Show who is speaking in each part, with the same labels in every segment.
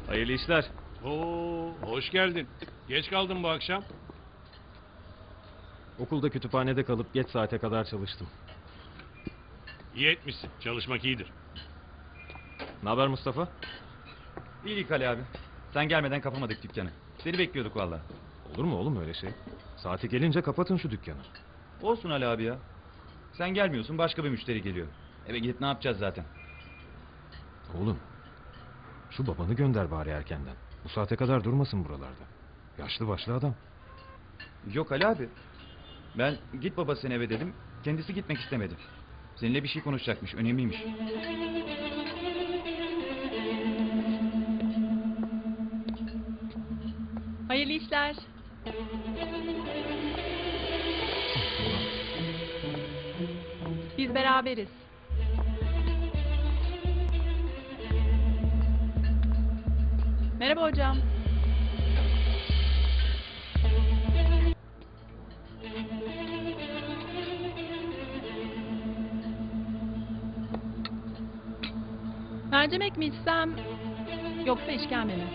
Speaker 1: Hayırlı işler.
Speaker 2: Oo, hoş geldin. Geç kaldın bu akşam.
Speaker 1: Okulda kütüphanede kalıp geç saate kadar çalıştım.
Speaker 2: İyi etmişsin. Çalışmak iyidir.
Speaker 1: Ne haber Mustafa?
Speaker 3: İyilik Ali abi. Sen gelmeden kapamadık dükkanı. Seni bekliyorduk valla.
Speaker 1: Olur mu oğlum öyle şey? Saati gelince kapatın şu dükkanı.
Speaker 3: Olsun Ali abi ya. Sen gelmiyorsun, başka bir müşteri geliyor. Eve gidip ne yapacağız zaten?
Speaker 1: Oğlum, şu babanı gönder bari erkenden. Bu saate kadar durmasın buralarda. Yaşlı başlı adam.
Speaker 3: Yok Ali abi. Ben git baba sen eve dedim. Kendisi gitmek istemedi. Seninle bir şey konuşacakmış, önemliymiş.
Speaker 4: Hayırlı işler. Biz beraberiz. Merhaba hocam. Mercimek mi içsem yoksa işkembe mi?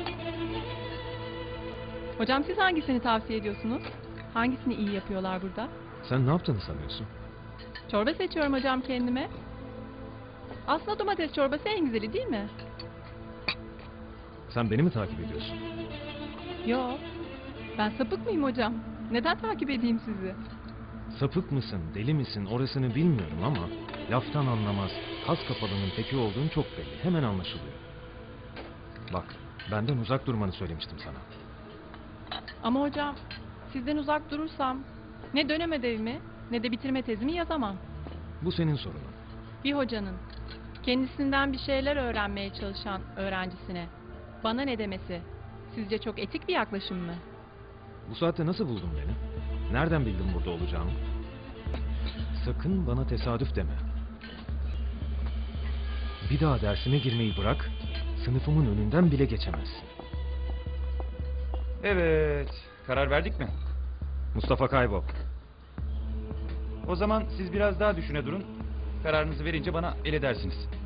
Speaker 4: Hocam siz hangisini tavsiye ediyorsunuz? Hangisini iyi yapıyorlar burada?
Speaker 1: Sen ne yaptığını sanıyorsun?
Speaker 4: Çorba seçiyorum hocam kendime. Aslında domates çorbası en güzeli değil mi?
Speaker 1: Sen beni mi takip ediyorsun?
Speaker 4: Yo. Ben sapık mıyım hocam? Neden takip edeyim sizi?
Speaker 1: Sapık mısın, deli misin orasını bilmiyorum ama... ...laftan anlamaz, kas kafalının teki olduğun çok belli. Hemen anlaşılıyor. Bak, benden uzak durmanı söylemiştim sana.
Speaker 4: Ama hocam sizden uzak durursam ne dönem ödevimi ne de bitirme tezimi yazamam.
Speaker 1: Bu senin sorunun.
Speaker 4: Bir hocanın kendisinden bir şeyler öğrenmeye çalışan öğrencisine bana ne demesi sizce çok etik bir yaklaşım mı?
Speaker 1: Bu saatte nasıl buldun beni? Nereden bildin burada olacağımı? Sakın bana tesadüf deme. Bir daha dersime girmeyi bırak, sınıfımın önünden bile geçemezsin.
Speaker 3: Evet, karar verdik mi?
Speaker 1: Mustafa kaybol.
Speaker 3: O zaman siz biraz daha düşüne durun. Kararınızı verince bana el edersiniz.